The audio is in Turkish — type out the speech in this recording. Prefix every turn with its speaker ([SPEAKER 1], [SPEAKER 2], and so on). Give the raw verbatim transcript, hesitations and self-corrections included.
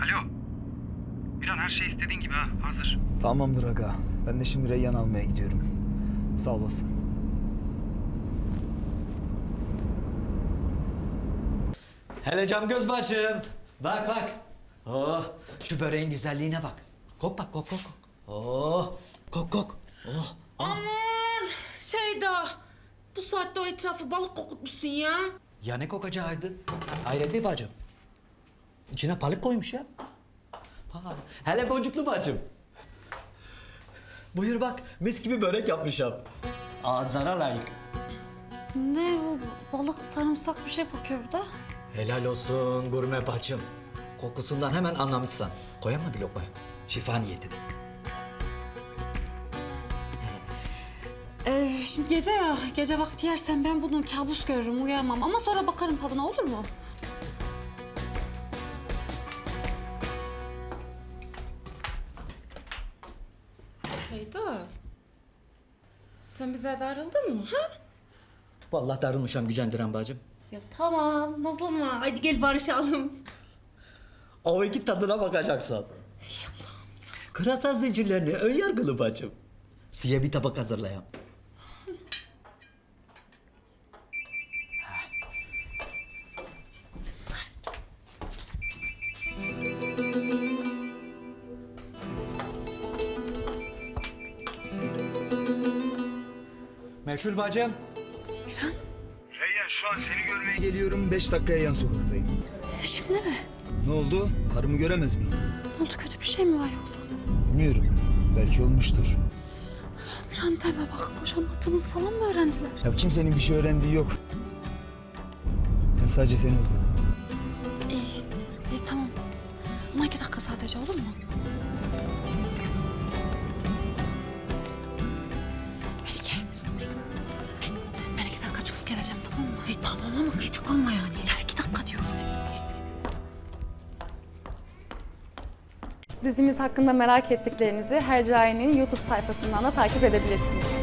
[SPEAKER 1] Alo. Miran her şey istediğin gibi ha. Hazır.
[SPEAKER 2] Tamamdır aga. Ben de şimdi Reyyan almaya gidiyorum. Sağ olasın.
[SPEAKER 3] Hele cam göz bacım. Bak bak. Oh, şu böreğin güzelliğine bak. Kok bak kok kok. kok. Oh, kok kok. Oh, ah.
[SPEAKER 4] Aman Şeyda. Bu saatte o etrafı balık kokutmuşsun ya.
[SPEAKER 3] Ya ne kokacağıydı? Hayret değil bacım. İçine balık koymuş ya. Ha, hele boncuklu bacım. Buyur bak, mis gibi börek yapmışım. Ağızlara layık.
[SPEAKER 5] Ne o balık sarımsak bir şey kokuyor burada.
[SPEAKER 3] Helal olsun gurme bacım. Kokusundan hemen anlamışsın. Koyar mı bir lokma? Şifa niyetine.
[SPEAKER 5] Ee, şimdi gece ya, gece vakti yersen ben bunu kabus görürüm, uyuyamam. Ama sonra bakarım tadına, olur mu?
[SPEAKER 4] Şeyda. Sen bize darıldın mı ha?
[SPEAKER 3] Vallahi darılmışam gücendiren bacım.
[SPEAKER 4] Ya tamam nazlanma. Haydi gel barışalım.
[SPEAKER 3] O iki tadına bakacaksın. Kırasal zincirlerini ön yargılı bacım. Size bir tabak hazırlayayım. Meçhul bacım.
[SPEAKER 1] Reyyan şu an seni görmeye
[SPEAKER 2] Geliyorum, beş dakikaya yan sokaktayım.
[SPEAKER 5] Şimdi mi?
[SPEAKER 2] Ne oldu? Karımı göremez miyim?
[SPEAKER 5] Ne oldu, kötü bir şey mi var yoksa?
[SPEAKER 2] Bilmiyorum. Belki olmuştur.
[SPEAKER 5] Miran deme bak, boşanmadığımızı falan mı öğrendiler?
[SPEAKER 2] Ya kimsenin bir şey öğrendiği yok. Ben sadece seni özledim.
[SPEAKER 5] İyi, iyi tamam. Ama iki dakika sadece, olur mu? Melike. Ben iki dakika çıkıp geleceğim, tamam mı?
[SPEAKER 4] E tamam ama geç kalma yani.
[SPEAKER 5] Ya iki dakika diyorum.
[SPEAKER 6] Dizimiz hakkında merak ettiklerinizi Hercai'nin YouTube sayfasından da takip edebilirsiniz.